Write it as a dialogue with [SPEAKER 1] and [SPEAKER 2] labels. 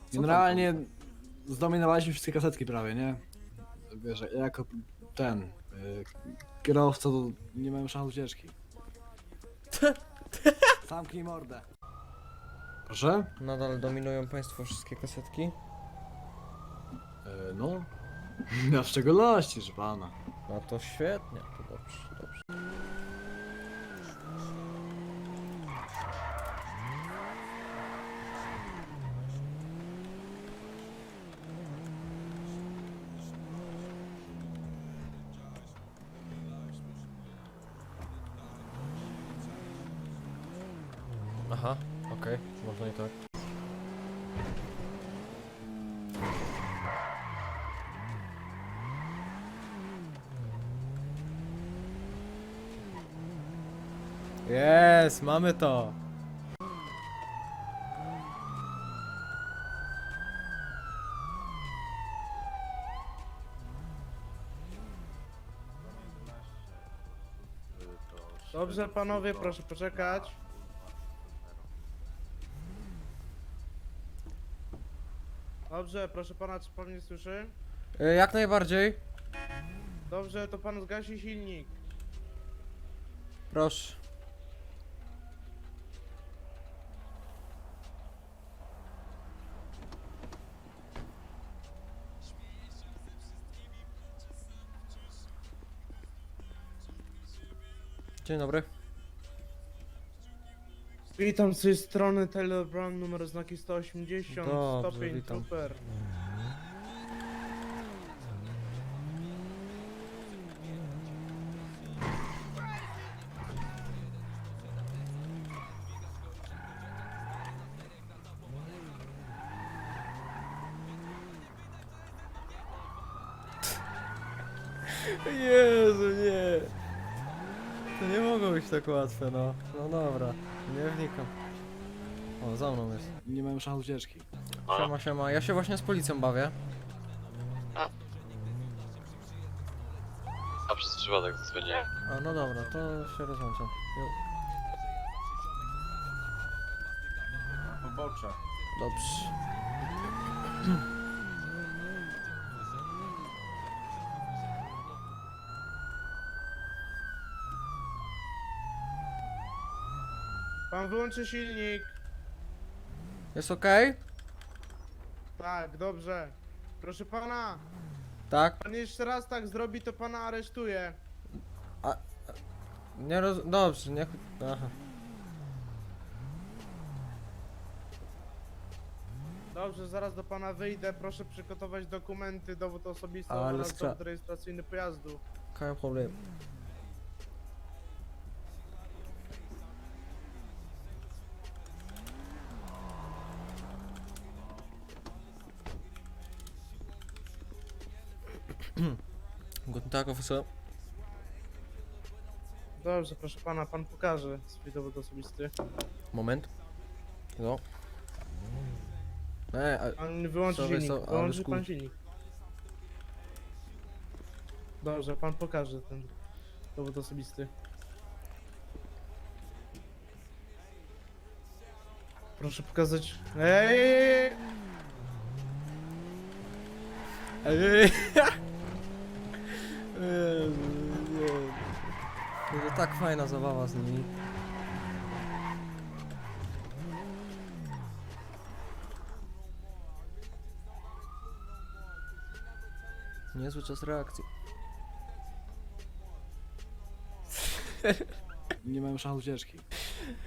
[SPEAKER 1] Generalnie zdominowaliśmy wszystkie kasetki prawie, nie? Wiesz, ja jako ten kierowca to nie miałem szans ucieczki. Zamknij mordę. Proszę?
[SPEAKER 2] Nadal dominują państwo wszystkie kasetki?
[SPEAKER 1] No. Ja w szczególności, że pana.
[SPEAKER 2] No to świetnie, to dobrze, dobrze. Aha, okej, można i tak. Jest, mamy to!
[SPEAKER 3] Dobrze, panowie, proszę poczekać. Dobrze, proszę pana, czy pan mnie słyszy?
[SPEAKER 2] Jak najbardziej.
[SPEAKER 3] Dobrze, to pan zgasi silnik.
[SPEAKER 2] Proszę. Dzień dobry.
[SPEAKER 3] Witam z tej strony Taylor Brown, numer znaki 180,
[SPEAKER 2] Dobrze,
[SPEAKER 3] stopień,
[SPEAKER 2] witam.
[SPEAKER 3] super.
[SPEAKER 2] Jezu, nie. To nie mogło być tak łatwe, no. No dobra, nie wnikam. O, za mną jest.
[SPEAKER 1] Nie miałem szans ucieczki.
[SPEAKER 2] Siema, siema. Ja się właśnie z policją bawię.
[SPEAKER 4] A przez przypadek zadzwoniłem.
[SPEAKER 2] A, no dobra, to się rozłączam. Jo.
[SPEAKER 5] Pobocze.
[SPEAKER 2] Dobrze.
[SPEAKER 3] Pan wyłączy silnik.
[SPEAKER 2] Jest okej?
[SPEAKER 3] Tak, dobrze. Proszę pana,
[SPEAKER 2] Tak?
[SPEAKER 3] pan jeszcze raz tak zrobi, to pana aresztuję.
[SPEAKER 2] Nie Dobrze, niech... Aha.
[SPEAKER 3] Dobrze, zaraz do pana wyjdę. Proszę przygotować dokumenty, dowód osobisty
[SPEAKER 2] Ale
[SPEAKER 3] oraz
[SPEAKER 2] skra-
[SPEAKER 3] dowód rejestracyjny pojazdu.
[SPEAKER 2] Kein Problem. Guten Tag, Officer.
[SPEAKER 3] Dobrze, proszę pana, pan pokaże swój dowód osobisty.
[SPEAKER 2] Moment. No.
[SPEAKER 3] Pan wyłączy
[SPEAKER 2] Sorry,
[SPEAKER 3] silnik,
[SPEAKER 2] ale
[SPEAKER 3] wyłączy pan
[SPEAKER 2] skór.
[SPEAKER 3] silnik. Dobrze, pan pokaże ten dowód osobisty. Proszę pokazać... Ej!
[SPEAKER 2] Ej! Jezu, nie. To tak fajna zabawa z nimi. Niezły czas reakcji.
[SPEAKER 1] Nie miałem szans ucieczki.